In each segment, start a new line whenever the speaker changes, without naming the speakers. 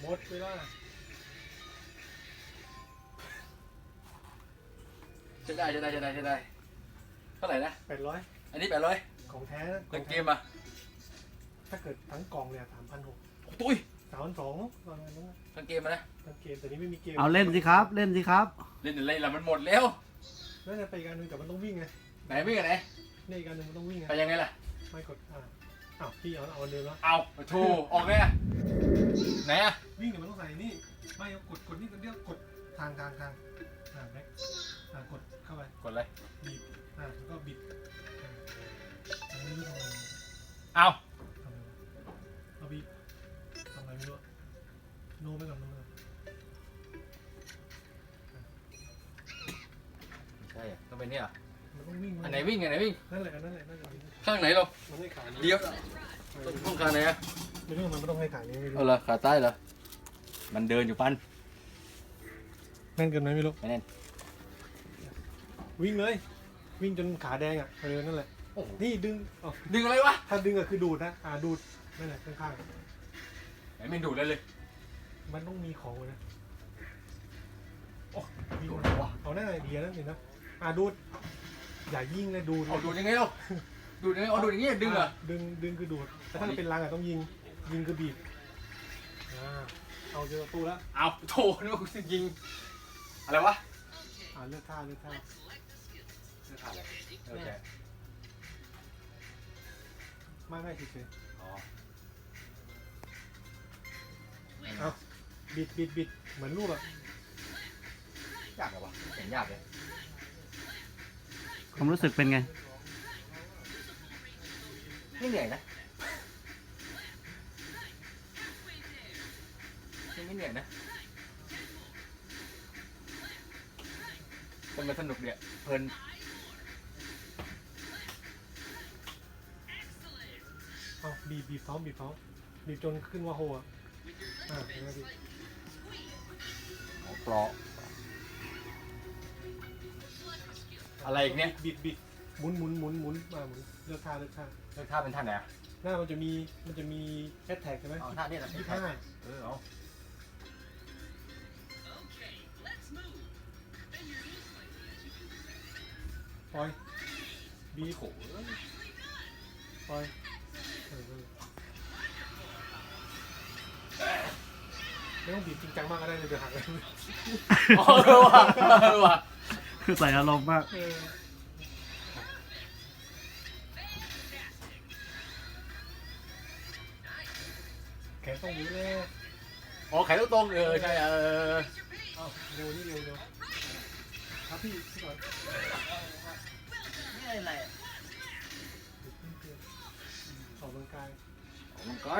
มดเวลา
ใช่ได้เท่าไหร่นะ
800
อันนี้800
ของแท้
เงินเกมอ่ะ
ถ้าเกิดทั้งกล่องเลย3,600
ตุ้ย
3,200ประมาณนั้น
ทั้งเกมมานะ
ทั้งเกมแต่นี้ไม่มีเกม
เอาเล่นสิครับเล่นสิครับ
เล่นอะไรล่ะมันหมดแล้ว
นั่นจะไปอีกอันหนึงแต่มันต้องวิ่งไง
ไหนวิ่งกันไหน
นี่อีกอันหนึงมันต้องวิ่งไง
ไปยังไงล่ะ
ไม่กดอ้าวพี่เอาอันเดิมแล้ว
เอาโชว์ออกไงอะไหนอะ
วิ่งเดี๋ยวมันต้องใส่นี่ไม่เอากดนี่ตัวเดียวกดทางแบ็คกดเข้าไป
กดเลย
บีบแล้วก็บิดไม่รู้ทำไม
เอา
เอาบีบทำอะไรไม่รู้โน้ไปก่อน
ใช่อะต้องเป็นนี่อ่ะ
มันต้องวิ่ง
อันไหนวิ่งอันไหนวิ่ง
นั่นแหละ
ข้างไหนเรา
มันไม่ขายนี้
เดี๋ยวต้องข้างไหนอะ
ไม่รู้มันไม่ต้องให้ขายนี้ไม่รู้
เอาละขาใต้เหรอมันเดินอยู่ปัน
แน่นเกินไหมไม่รู้
ไม่แน่น
วิ่งเลยวิ่งจนขาแดงนั่นแหละนี่ดึง
ดึงอะไรวะ
ถ้าดึงคือดูดนะดูดนั่นแหละข้าง
ไหนไม่ดูดเลย
ๆมันต้องมีของนะ
โอ้
วิ่ง
ดูดอะไรวะ
เอาหน้าเดียวนั่นเองนะดูดอย่ายิงเลยดูด
เอาดูดยังไงเราดูดยังไงเอาดูดอย่างงี้ดึงเหรอ
ดึงคือดูดแต่ถ้าเป็นรังต้องยิงคือบีบเอาเจอตู้แล้ว
เอาโถนึกว่ากูจะยิงอะไรวะ
เลือกท่า
เลือกท่าอะไรโอเค
ไม่เฉย
อ๋อ
ๆเอาบิดเหมือนลูก
ยากเหรอวะเห็นยากเลย
ความรู้สึกเป็นไง
ไม่เหนื่อยนะไม่เหนื่อยนะแต่มันสนุกเนี่ยเพลิน
เอาบีบท้องบีบจนขึ้นว่าโฮเห็นไหมพี่
ปลอกอะไรอีกเนี่ย
บิดหมุนหมุนเลือกท่า
เลือกท่าเป็นท่าไหนอ่ะ
หน้ามันจะมีแฮชแท็กใช่ไหม
เอาท่านี้นะ
25
เอา
ปล่อยบีบ
โถ
ปล่อยไม่ต้องบีบจริงจังมากก็ได้เลยเดี๋ยวหักเลย
อ๋อว่ะ
คือใส่อารมณ์มาก
แขนต้องอยู่เลย
อ๋อแขนตรงใช่
เร็วครับพี่ก่อน
นี่อะไร
ออกกำลังกาย
ออกกำลังกาย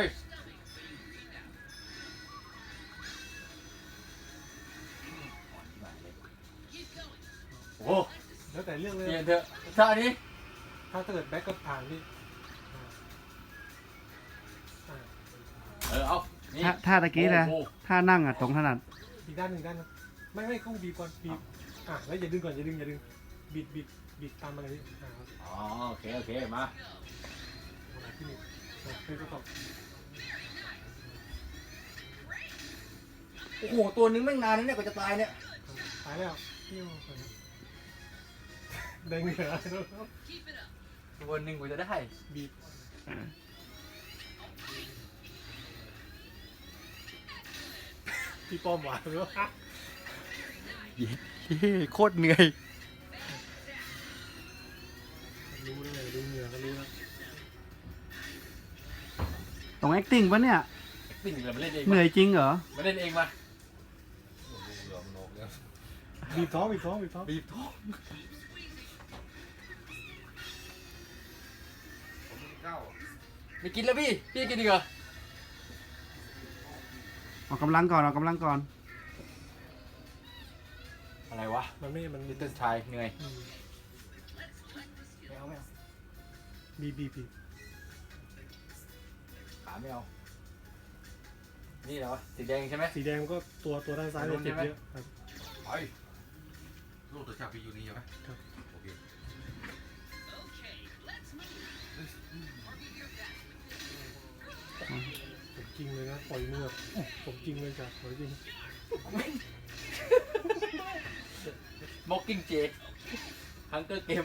โอ้
แล้วแต่เรื่องเลย
เปลี่ยนเถอะท่านี้
ถ้าเกิดแบ็กก็ผ่านพี่
เอานี่
ท่าตะกี้นะท่านั่งตรงถนัด
อีกด้านหนึ่งไม่ต้องบีบก่อนบีบแล้วอย่าดึงก่อนอย่าดึงบิดตามมาเลยพี่ครับ
อ๋อโอเคมา
ที่นี่คือก็ตก
โอ้โหตัวนึงแม่งนานนะเนี่ยกว่าจะตายเนี่ย
ตายแล้วเที่ยวแดงเหนือ
ตัวนึงกว่าจะได้
บีบพี่ป้อมหวานหรือว่า
โคตรเหนื่อย
รู้เลยดูเหนือก็รู้แล้ว
ตรง acting ปะเนี่ย
สิ่งเราไม่เล่นเอง
เหนื่อยจริงเหรอ
มาเล่นเองมา
บีบท้อง
บีบท้อง ไม่กินแล้วพี่กินดีกว่า
ออกกำลังก่อน
อะไรวะ
มัน
ลิตเติ้ลชายเหนื่อยไม่เอา
บีบ
ขาไม่เอานี่แหละวะสีแดงใช่ไหม
สีแดงก็ตัวด้านซ้ายเนี่ยเจ็บเยอะครับ
ไป
ลูกตัวชาพีอยู่นี่ใช่ไหมโอเค
เจริงเลยนะปล่อยมือแบบผมจริงเลยจ้ะปล่อยจริง
ม็อกกิ้งเจฮังเกอร์เกม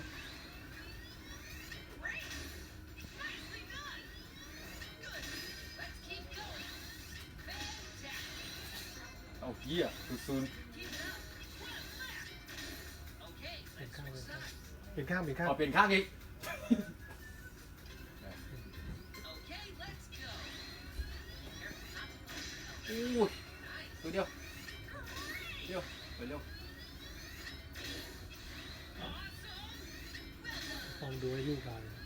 เอาเหี้ยซูน
เป็นข้างเป็นข้าง
เอาเปลี่ยนข้างอีกอู้ตัวเดียวไปเร็ว
ลองดูให้ยุ่งกัน